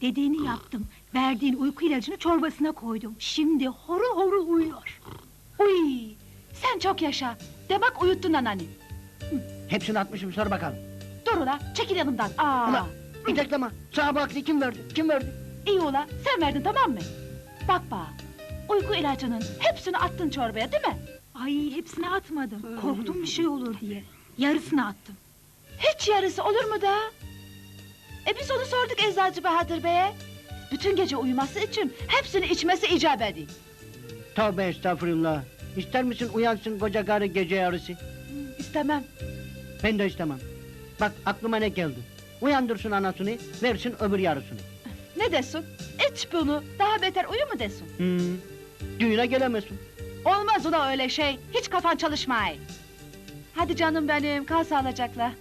Dediğini yaptım. Verdiğin uyku ilacını çorbasına koydum. Şimdi horul horul uyuyor. Uy! Sen çok yaşa. De bak uyuttun anneanne. Hepsini atmışım, sor bakalım. Dur ula, çekil yanımdan. Aa! Ula, bir dakika, sana bu aklı kim verdi? Kim verdi? İyi ula, sen verdin tamam mı? Bak bak, uyku ilacının hepsini attın çorbaya değil mi? Ay, hepsini atmadım. Korktum bir şey olur diye. Yarısını attım. Hiç yarısı olur mu da? Biz onu sorduk Eczacı Bahadır Bey'e. Bütün gece uyuması için hepsini içmesi icap ediyor. Tövbe estağfurullah. İster misin uyansın koca karı gece yarısı? İstemem. Ben de istemem. Bak aklıma ne geldi. Uyandırsın anasını, versin öbür yarısını. Ne desin? İç bunu, daha beter uyu mu desin? Düğüne gelemezsin. Olmaz ula öyle şey, hiç kafan çalışmay. Hadi canım benim, kal sağlıcakla.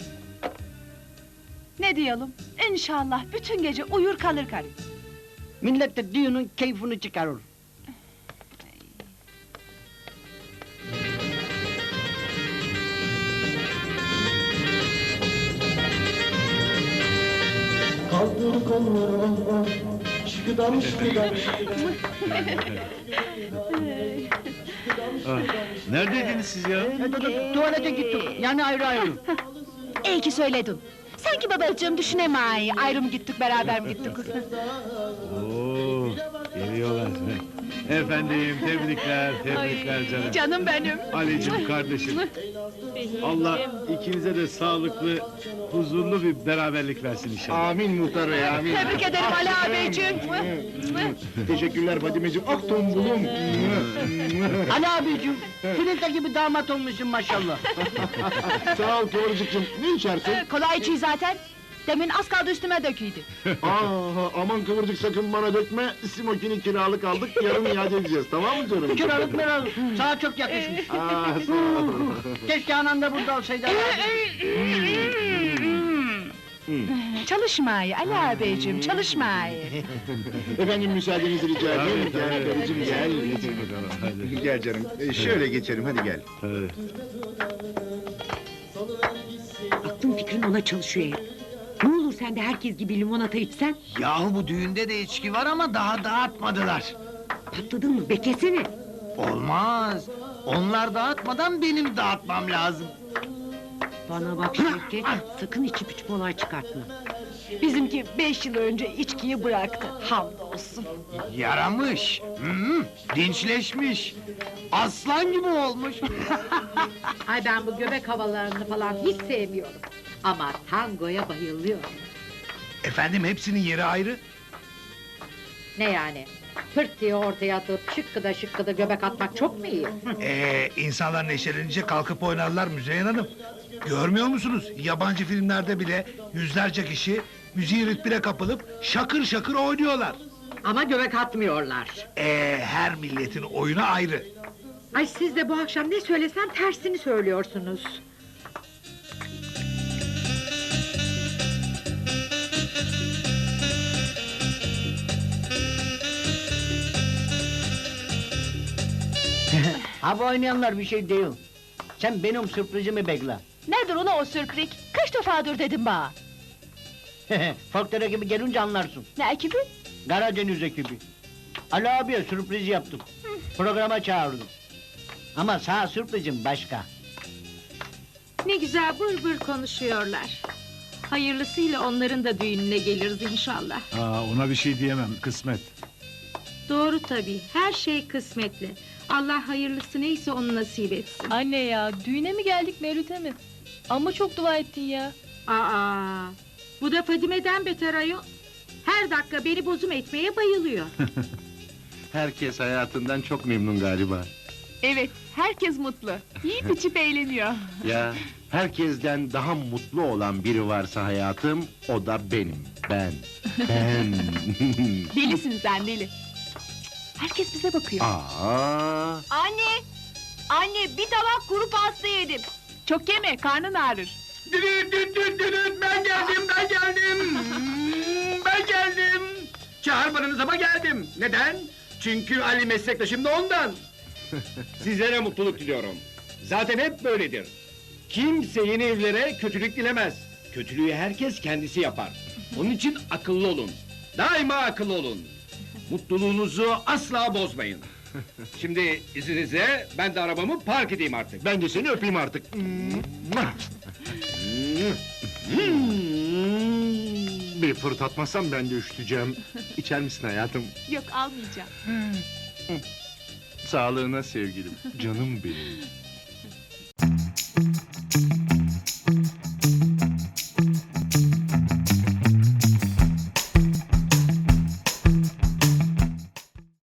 Ne diyelim? İnşallah bütün gece uyur kalır karı. Millet de düğünün keyfini çıkarır. Kaldır kolları, şıkıdam şıkıdam. Neredeydiniz siz ya? Tuvalete gittim, yani ayrı ayrı. İyi ki söyledin. Sanki babacığım düşünemay, ayrı mı gittik, beraber mi gittik? Oo, geliyorlar. Efendim, tebrikler canım. Canım benim. Ali'cim kardeşim. Allah ikinize de sağlıklı, huzurlu bir beraberlik versin inşallah. Amin muhtar bey, amin. Tebrik ederim Ali ağabeyciğim. Teşekkürler Fadimeciğim, ak tombulum. Ali abicim, filtre gibi damat olmuşsun maşallah. Sağ ol Kıvırcık'cığım, ne içersin? Kolay içi zaten. Demin az kaldı üstüme döküydü. Aman Kıvırcık sakın bana dökme, simokini kiralık aldık, yarın iade edeceğiz, tamam mı canım? Kiralık meralık, sana çok yakışmış. Sağ ol. Keşke anan da burada olsaydı. Çalışmayı Ali ağabeyciğim, çalışmayı. Efendim müsaadenizi rica edeyim. Gel karıcığım, gel. Hadi. Gel canım, şöyle geçelim, hadi gel. Hadi. Aklın fikrin ona çalışıyor ya. Ne olur sen de herkes gibi limonata içsen? Yahu bu düğünde de içki var ama daha dağıtmadılar. Patladın mı? Bekesene. Olmaz. Onlar dağıtmadan benim dağıtmam lazım. Bana bak Şevket, sakın içip içip olay çıkartma. Bizimki 5 yıl önce içkiyi bıraktı. Hamdolsun. Yaramış. Dinçleşmiş. Aslan gibi olmuş. Ay ben bu göbek havalarını falan hiç sevmiyorum. Ama tangoya bayılıyorum. Efendim hepsinin yeri ayrı. Ne yani? Pırt diye ortaya atıp şıkkıda şıkkıda göbek atmak çok mu iyi? İnsanlar neşelenince kalkıp oynarlar Müzeyyen Hanım. Görmüyor musunuz? Yabancı filmlerde bile yüzlerce kişi müziğin ritmine kapılıp şakır şakır oynuyorlar. Ama göbek atmıyorlar. Her milletin oyunu ayrı. Ay siz de bu akşam ne söylesem tersini söylüyorsunuz. Ha bu oynayanlar bir şey değil. Sen benim sürprizimi bekle. Nedir ula o sürprik? Kaç defadır dedim bana. Folklore gibi gelince anlarsın. Ne ekibi? Karadeniz ekibi. Ali abiye sürpriz yaptım. Programa çağırdım. Ama sağ sürprizim başka. Ne güzel bır bır konuşuyorlar. Hayırlısıyla onların da düğününe geliriz inşallah. Ona bir şey diyemem, kısmet. Doğru tabii, her şey kısmetli. Allah hayırlısı neyse onu nasip etsin. Anne ya, düğüne mi geldik Mevlüt'e mi? Ama çok dua ettin ya. Aa, bu da Fadime'den beter ayol. Her dakika beni bozum etmeye bayılıyor. Herkes hayatından çok memnun galiba. Evet, herkes mutlu. Yiyip içip eğleniyor. Ya, herkesten daha mutlu olan biri varsa hayatım, o da benim. Ben. Delisin sen deli. Herkes bize bakıyor. Aa, Anne! Anne, bir tabak kuru pasta yedim. Çok yeme, karnın ağrır. Ben geldim. Ben geldim. Çağırmadınız ama geldim. Neden? Çünkü Ali meslektaşım da ondan. Sizlere mutluluk diliyorum. Zaten hep böyledir. Kimse yeni evlere kötülük dilemez. Kötülüğü herkes kendisi yapar. Onun için akıllı olun. Daima akıllı olun. Mutluluğunuzu asla bozmayın. Şimdi izninizle ben de arabamı park edeyim artık. Ben de seni öpeyim artık. Bir fırtatmazsam ben de üşüteceğim. İçer misin hayatım? Yok almayacağım. Sağlığına sevgilim, canım benim.